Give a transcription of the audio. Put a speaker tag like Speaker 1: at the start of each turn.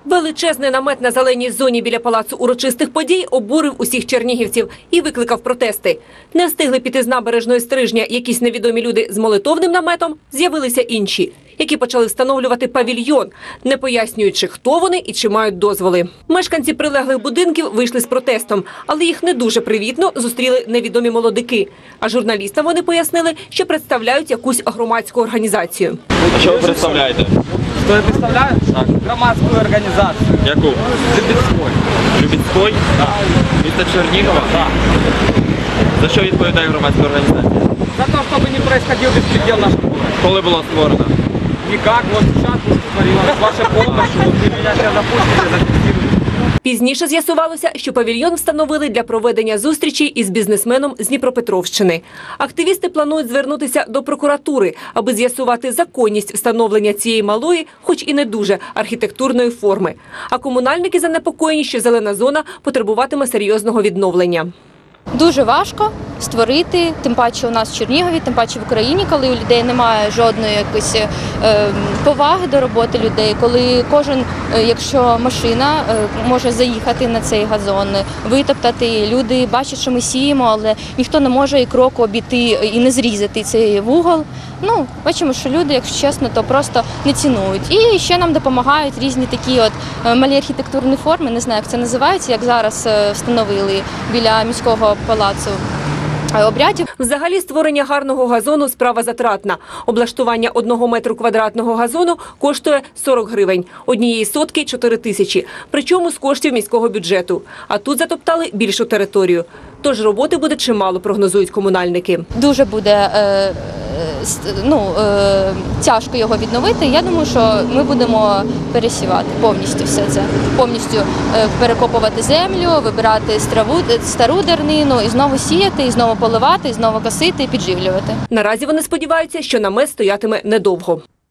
Speaker 1: Величезний намет на зеленій зоні біля палацу урочистих подій обурив усіх чернігівців і викликав протести. Не встигли піти з набережної Стрижня якісь невідомі люди з молитовним наметом, з'явилися інші, які почали встановлювати павільйон, не пояснюючи, хто вони і чи мають дозволи. Мешканці прилеглих будинків вийшли з протестом, але їх не дуже привітно зустріли невідомі молодики. А журналістам вони пояснили, що представляють якусь громадську організацію.
Speaker 2: А що ви представляєте?
Speaker 3: Что я представляю? Так. Громадскую организацию.
Speaker 2: Яку?
Speaker 3: Любецкой.
Speaker 2: Любецький?
Speaker 3: Да.
Speaker 2: Місто Чернігова?
Speaker 3: Да.
Speaker 2: За що відповідає громадська організація?
Speaker 3: За то, чтобы не происходил беспредел в нашем городе.
Speaker 2: Коли була створена?
Speaker 3: Никак. Вот сейчас створилось. С вашей помощью. Вот вы меня сейчас запустите, зафиксируете.
Speaker 1: Пізніше з'ясувалося, що павільйон встановили для проведення зустрічі із бізнесменом з Дніпропетровщини. Активісти планують звернутися до прокуратури, аби з'ясувати законність встановлення цієї малої, хоч і не дуже, архітектурної форми. А комунальники занепокоєні, що зелена зона потребуватиме серйозного відновлення.
Speaker 4: Дуже важко створити, тим паче у нас в Чернігові, тим паче в Україні, коли у людей немає жодної якоїсь поваги до роботи людей, коли кожен, якщо машина може заїхати на цей газон, витоптати, люди бачать, що ми сіємо, але ніхто не може і кроку обійти і не зрізати цей вугол. Ну, бачимо, що люди, якщо чесно, то просто не цінують. І ще нам допомагають різні такі от малі архітектурні форми, не знаю, як це називається, як зараз встановили біля міського палацу обрядів.
Speaker 1: Взагалі створення гарного газону – справа затратна. Облаштування 1 метру квадратного газону коштує 40 гривень, однієї сотки – 4 тисячі, причому з коштів міського бюджету. А тут затоптали більшу територію. Тож роботи буде чимало, прогнозують комунальники.
Speaker 4: Дуже буде тяжко його відновити. Я думаю, що ми будемо пересівати повністю все це. Повністю перекопувати землю, вибирати стару дернину і знову сіяти, і знову поливати, і знову косити, і підживлювати.
Speaker 1: Наразі вони сподіваються, що намет стоятиме недовго.